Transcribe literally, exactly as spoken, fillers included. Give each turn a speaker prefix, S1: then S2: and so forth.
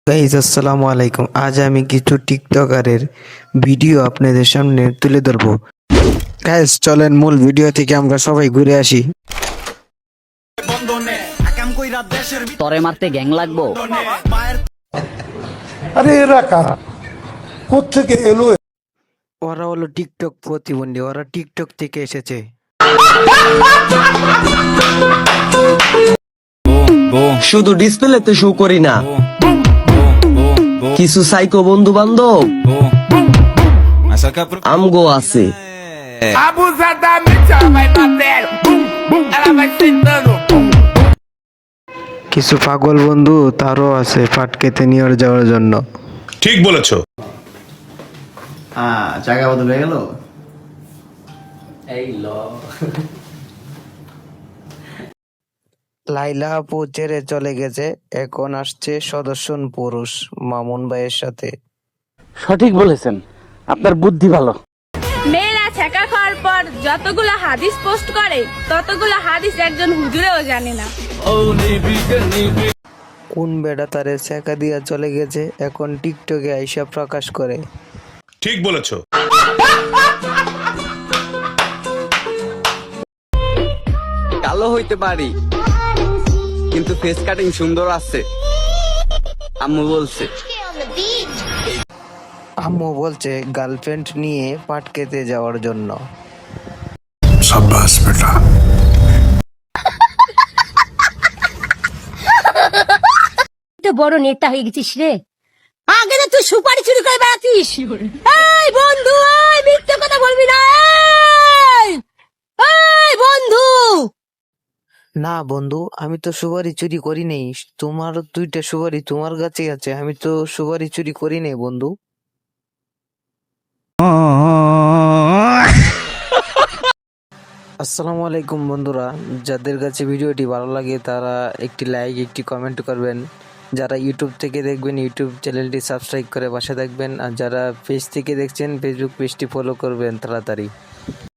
S1: Guys আসসালামু আলাইকুম। আজ আমি কিছু টিকটকারের ভিডিও আপনাদের সামনে তুলে ধরবো। গাইজ চলেন মূল ভিডিও থেকে আমরা সবাই ঘুরে আসি।
S2: তরে মারতে গ্যাং লাগবো।
S3: আরে এরা কারা, কোত্থেকে এলো?
S1: ওরা হলো টিকটক প্রতিবন্ধী, ওরা টিকটক থেকে এসেছে।
S4: শুধু ডিসপ্লেতে শো করি না, কিছু সাইকো বন্ধু বান্ধব আমগো আছে।
S1: কিছু পাগল বন্ধু তারও আছে পাট খেতে নিয়ে যাওয়ার জন্য।
S5: ঠিক বলেছো।
S6: হ্যাঁ, জায়গা বদল হয়ে গেল। এই ল
S1: লাইলা আপু ছেড়ে চলে গেছে, এখন আসছে সদস্যন পুরুষ মামুন ভাইয়ের সাথে।
S7: সঠিক বলেছেন, আপনার বুদ্ধি ভালো।
S8: মেয়েরা ছেঁকা খাওয়ার পর যতগুলো হাদিস পোস্ট করে ততগুলো হাদিস একজন হুজুরেও জানে না।
S1: কোন বেড়া তারে ছেঁকা দিয়া চলে গেছে, এখন টিকটকে আইসা প্রকাশ করে।
S5: ঠিক বলেছো।
S4: কালো হইতে পারি কিন্তু ফেস কাটিং সুন্দর আছে, আম্মু বলছে।
S1: আম্মু বলছে গার্লফ্রেন্ড নিয়ে পাট খেতে যাওয়ার জন্য।
S3: সাব্বাস বেটা।
S9: তো বড় নেতা হয়ে গেছিস রে। আগে তো তুই সুপারি চুরি করে বেড়াতিস। এই বন্ধু, এই মিথ্যে কথা বলবি না। এই এই বন্ধু।
S1: না বন্ধু, আমি তো সুপারি চুরি করি নেই। তোমার দুইটা সুপারি তোমার কাছে আছে, আমি তো সুপারি চুরি করি নেই বন্ধু। আসসালামু আলাইকুম বন্ধুরা, যাদের কাছে ভিডিওটি ভালো লাগে তারা একটি লাইক একটি কমেন্ট করবেন। যারা ইউটিউব থেকে দেখবেন ইউটিউব চ্যানেলটি সাবস্ক্রাইব করে পাশে থাকবেন, আর যারা পেজ থেকে দেখছেন ফেসবুক পেজটি ফলো করবেন তাড়াতাড়ি।